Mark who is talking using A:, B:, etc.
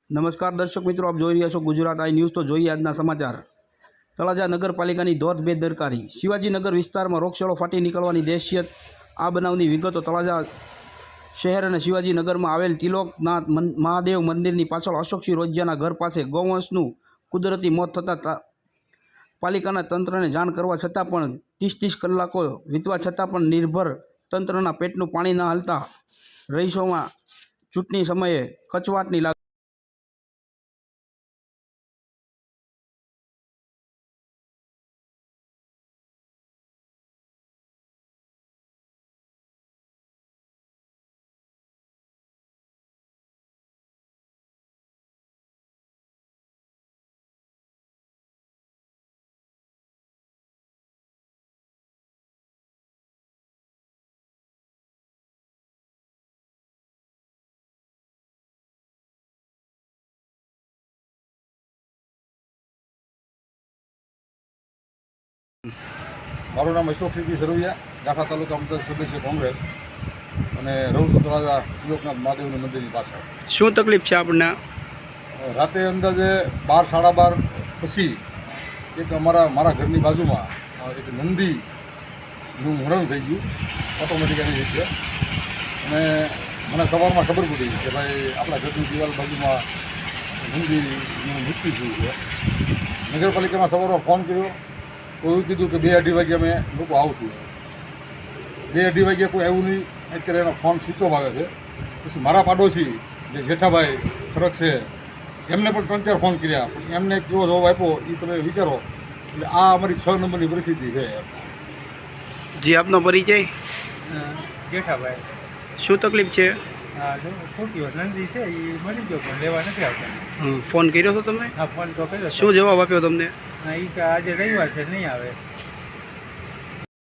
A: નમસ્કાર દર્શક મિત્રો, આપ જોઈ રહ્યા છો ગુજરાત આઈ ન્યૂઝ। તો જોઈએ આજના સમાચાર। તળાજા નગરપાલિકાની ધોધ બેદરકારી। શિવાજીનગર વિસ્તારમાં રોગચાળો ફાટી નીકળવાની દહેશત। આ બનાવની વિગતો। તળાજા શહેર અને શિવાજીનગરમાં આવેલ ત્રિલોકનાથ મહાદેવ મંદિરની પાછળ અશોકસિંહ રોજિયાના ઘર પાસે ગૌવંશનું કુદરતી મોત થતાં પાલિકાના તંત્રને જાણ કરવા છતાં પણ 30 કલાકો વીતવા છતાં પણ નિર્ભર તંત્રના પેટનું પાણી ન હલતા રહીશોમાં ચૂંટણી સમયે કચવાટની લાગણી।
B: મારું નામ અશોકસિંહ સરવૈયા, દાખા તાલુકા પંચાયત સદસ્ય કોંગ્રેસ, અને રહું છું તળાજા ત્રિલોકનાથ મહાદેવના મંદિરની પાછળ।
A: શું તકલીફ છે આપણને?
B: રાતે અંદાજે 12 સાડા 12 પછી એક મારા ઘરની બાજુમાં એક નંદીનું મરણ થઈ ગયું, ઓટોમેટિક એની રીતે। અને મને સવારમાં ખબર પડી કે ભાઈ આપણા ઘરની દિવાલ બાજુમાં નંદીનું મૃત્યુ થયું છે। નગરપાલિકામાં સવારમાં ફોન કર્યો તો એવું કીધું કે 2-2:30 વાગે અમે લોકો આવશું। 2-2:30 વાગે કોઈ આવ્યું નહીં। અત્યારે એનો ફોન સ્વિચ ઓફ આવે છે। પછી મારા પાડોશી જે જેઠાભાઈ ખરક છે એમને પણ 3-4 ફોન કર્યા, પણ એમને કેવો જવાબ આપ્યો એ તમે વિચારો। એટલે આ અમારી 6 નંબરની પરિસ્થિતિ છે।
A: જી, આપનો પરિચય?
C: જેઠાભાઈ।
A: શું તકલીફ છે?
C: હા, જો ખોટ્યો નંદી છે એ મરી ગયો પણ લેવા નથી આવતા।
A: ફોન કર્યો હતો તમે?
C: હા, ફોન તો કર્યો।
A: શું જવાબ આપ્યો તમને?
C: હા, એ કે આજે રવિવાર છે નહીં આવે।